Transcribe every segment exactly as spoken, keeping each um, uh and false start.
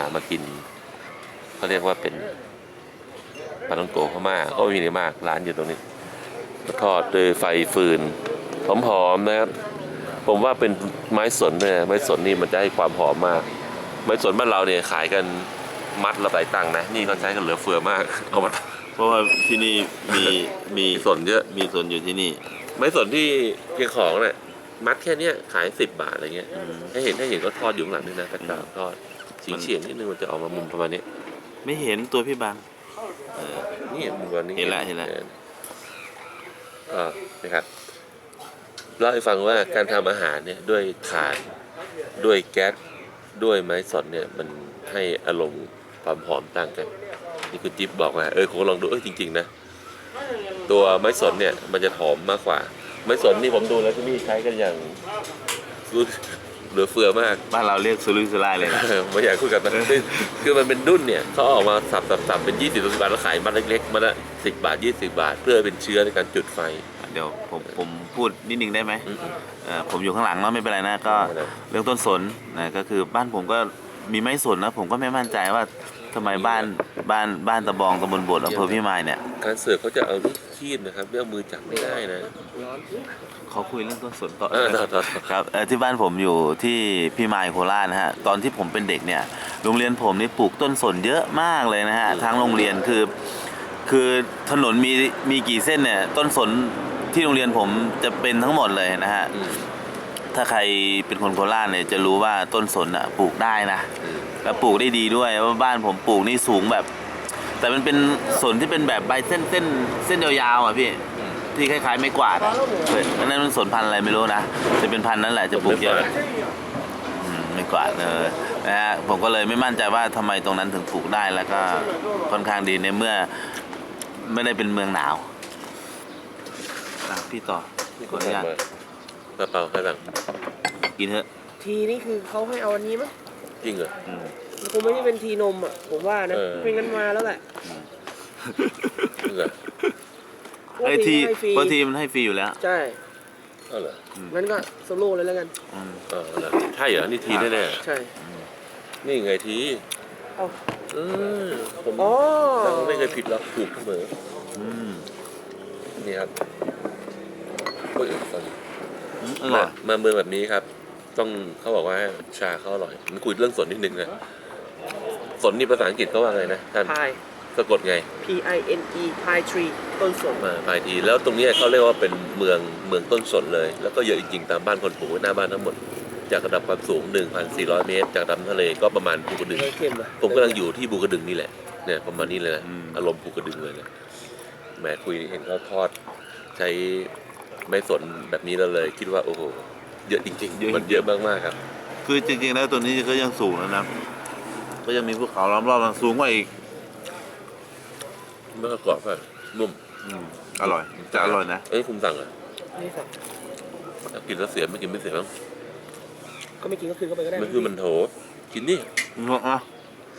มากินเขาเรียกว่าเป็นปลาท่องโกะพม่าก็มีเยอะมากร้านอยู่ตรงนี้ทอดด้วยไฟฟืนหอมๆนะครับผมว่าเป็นไม้สนเนี่ยไม้สนนี่มันจะให้ความหอมมากไม้สนบ้านเราเนี่ยขายกันมัดละหลายตังค์นะนี่เขาใช้กันเหลือเฟือมากเอามาเพราะว่าที่นี่มีมีสนเยอะมีสนอยู่ที่นี่ไม้สนที่เพียงของเนี่ยมัดแค่เนี้ยขายสิบบาทอะไรเงี้ยให้เห็นให้เห็นก็ทอดอยู่ข้างหลังนี่นะกระจาทอดสีเฉียงนิดนึงมันจะออกมามุมประมาณนี้ไม่เห็นตัวพี่บางเออนี่มุมประมาณนี้เห็นละเห็นละก็นะครับเล่าให้ฟังว่าการทำอาหารเนี่ยด้วยถ่านด้วยแก๊สด้วยไม้สนเนี่ยมันให้อารมณ์ความหอมต่างกันนี่คุณจิ๊บบอกว่าเออผมลองดูเออจริงๆนะตัวไม้สนเนี่ยมันจะหอมมากกว่าไม้สนนี่ผมดูแล้วที่นี่ใช้กันอย่างเหลือเฟือมากบ้านเราเรียกสุรุ่ยสุร่ายเลยนะไม่อยากคุยกันนะคือมันเป็นดุ้นเนี่ยเขาออกมาสับสับสับเป็นยี่สิบสิบบาทแล้วขายมัดเล็กๆมัดละสิบบาทยี่สิบบาทเพื่อเป็นเชื้อในการจุดไฟเดี๋ยวผมผมพูดนิดนึงได้ไหมผมอยู่ข้างหลังแล้วไม่เป็นไรนะก็เรื่องต้นสนนะก็คือบ้านผมก็มีไม้สนนะผมก็ไม่มั่นใจว่าทำไมบ้านบ้านบ้านตะบองตำบลบดอำเภอพิมายเนี่ยการเสิร์ฟเขาจะเอาลูกคีบนะครับไม่เอามือจับไม่ได้นะเขาคุยเรื่องต้นสนต่อครับที่บ้านผมอยู่ที่พิมายโคราชนะฮะตอนที่ผมเป็นเด็กเนี่ยโรงเรียนผมนี่ปลูกต้นสนเยอะมากเลยนะฮะทั้งโรงเรียนคือคือถนนมีมีกี่เส้นเนี่ยต้นสนที่โรงเรียนผมจะเป็นทั้งหมดเลยนะฮะถ้าใครเป็นคนโคราชเนี่ยจะรู้ว่าต้นสนอ่ะปลูกได้นะแล้วปลูกได้ดีด้วยเพราะบ้านผมปลูกนี่สูงแบบแต่มันเป็นสนที่เป็นแบบใบเส้นเส้นเส้นยาวๆอ่ะพี่ที่คล้ายๆไม่กวาดอันนั้นมันสนพันธุ์อะไรไม่รู้นะจะเป็นพันธุ์นั้นแหละจะปลูกเยอะไม่กวาดเลยนะฮะผมก็เลยไม่มั่นใจว่าทำไมตรงนั้นถึงปลูกได้แล้วก็ค่อนข้างดีในเมื่อไม่ได้เป็นเมืองหนาวพี่ต่อพี่ขออนุญาตกระเป๋าใครบ้างกินเถอะทีนี่คือเขาให้เอาอันนี้มั้ยจริงเหรอคงไม่ได้เป็นทีนมอ่ะผมว่านะเป็นงั้นมาแล้วแหละจริงเหรอไอทีเพราะทีมันให้ฟรีอยู่แล้วใช่เออเหรองั้นก็โซโล่เลยแล้วกันเออใช่เหรอนี่ทีแน่ๆใช่นี่ไงทีเอ้าเออผมไม่เคยผิดหรอกถูกเสมอนี่ครับโอ้ยตอนนี้มาเมืองแบบนี้ครับต้องเขาบอกว่าชาเขาอร่อยมันคุยเรื่องสนนิดนึงนะสนนี่ภาษาอังกฤษเขาว่าไงนะท่านสะกดไง P I N E Pine Tree ต้นสนมาพายทีแล้วตรงนี้เขาเรียกว่าเป็นเมืองเมืองต้นสนเลยแล้วก็เยอะจริงๆตามบ้านคนปลูกหน้าบ้านทั้งหมดจากระดับความสูง หนึ่งพันสี่ร้อย เมตรจากลำทะเลก็ประมาณภูกระดึงผมกำลังอยู่ที่ภูกระดึงนี่แหละเนี่ยประมาณนี้เลยนะอารมณ์ภูกระดึงเลยนะแหมคุยเห็นเขาทอดใช้ไม้สนแบบนี้เราเลยคิดว่าโอ้โหเยอะจริงๆมันเยอะมากๆครับคือจริงๆแล้วตัวนี้ก็ยังสูงแล้วนะก็ยังมีภูเขาล้อมรอบสูงกว่าอีกเมื่อกรอบแบบนุ่มอร่อยจะอร่อยนะเอ้ยคุณสั่งเหรอไม่สั่งกินแล้วเสียไม่กินไม่เสียบ้างก็ไม่กินก็คืนเข้าไปก็ได้มันคือมันโถกินนี่อ่ะ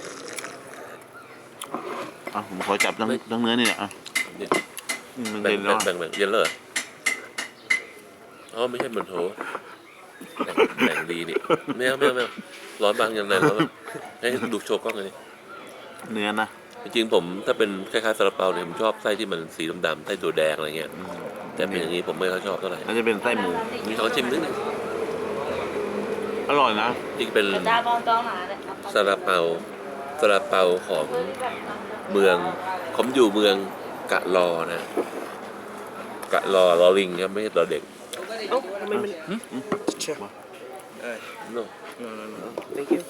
อ่ะผมขอจับทั้งทั้งเนื้อนี่แหละอ่ะมันเย็นแล้วแบ่งแบ่งเย็นเลยอ๋อไม่ใช่มันโถแบ่งดีนี่ไม่เอาไม่เอาไม่เอาร้อนบางอย่างไรร้อนให้ดูโชว์กล้องเลยเนื้อนะจริงๆผมถ้าเป็นคล้ายๆซาลาเปาเนี่ยผมชอบไส้ที่มันสีดำๆไส้ตัวแดงอะไรเงี้ยแต่เป็นอย่างนี้ผมไม่ค่อยชอบเท่าไหร่น่าจะเป็นไส้หมูมีของชิมนิดนึงอร่อยนะจริงเป็นซาลาเปาซาลาเปาของเมืองผมอยู่เมืองกะลอนะกะลอลอลิงครับไม่ใช่ลอเด็กเอ้าทำไมมันเชื่อโน่ thank you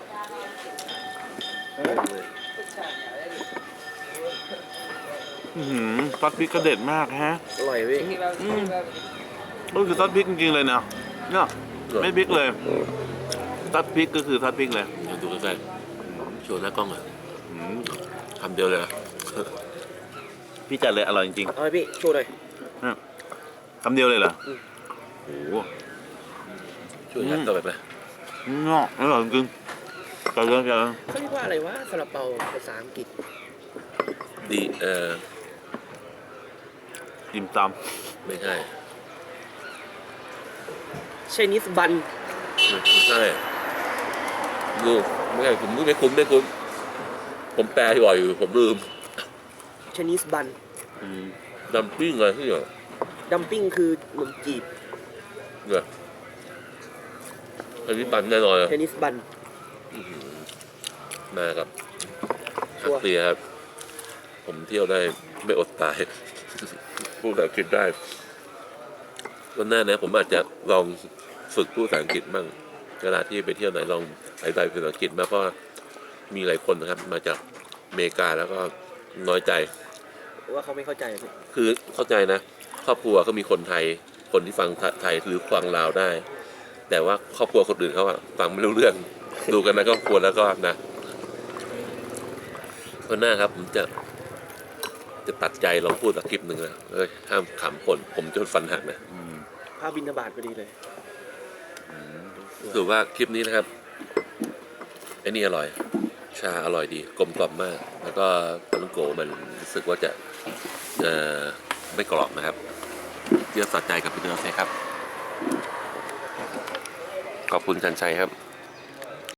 ซอสพริกกระเด็ดมากฮะอร่อยพี่ก็คือซอสพริกจริงๆเลยนะเนี่ยไม่พริกเลยซอสพริกก็คือซอสพริกเลยดูใกล้ๆโชว์หน้ากล้องอ่ะคำเดียวเลยนะพี่จัดเลยอร่อยจริงๆอร่อยพี่โชว์หน่อยคำเดียวเลยเหรอโอ้โหช่วยยัดต่อไปไหมเนาะอร่อยจริงจัดเลยจัดเลยเขาเรียกว่าอะไรวะซาลาเปาภาษาอังกฤษดีเอ่อดิมตำไม่ใช่ไชนีสบันไม่ใช่ดูไม่ใช่ผมไม่คุ้นไม่คุ้นผมแปลบ่อยอยู่ผมลืมชนิสบันดัมปิ้งอะไรที่เหรอดัมปิ้งคือขนมจีบเนี่ยอันนี้ปันแน่นอนชนิสบันมากับชัฮัวกร์เตียครับผมเที่ยวได้ไม่อดตาย พูดภาษาอังกฤษได้วันหน้านะผมอาจจะลองฝึกพูดภาษาอังกฤษบ้างเวลาที่ไปเที่ยวไหนลองอธิบายภาษาอังกฤษมากเพราะมีหลายคนนะครับ มาจากอเมริกาแล้วก็น้อยใจว่าเขาไม่เข้าใจพี่คือเข้าใจนะ ครอบครัวก็มีคนไทย คนที่ฟังไทยหรือฟังลาวได้ แต่ว่าครอบครัวคนอื่นเขาอะฟังไม่รู้เรื่อง ดูกันนะครอบครัวแล้วก็นะวันหน้าครับผมจะ จะตัดใจลองพูดสักคลิปหนึ่งนะเอ้ยห้ามขำคนผมจนฟันหักนะภาพบินทบาทพอดีเลยถือว่าคลิปนี้นะครับไอ้นี่อร่อย ชาอร่อยดีกลมกล่อมมาก แล้วก็ปลาท่องโกมันรู้สึกว่าจะเอ่อไม่กรอบนะครับเยี่ยมสะใจกับพี่เนื้อเซครับ ขอบคุณชันชัยครับ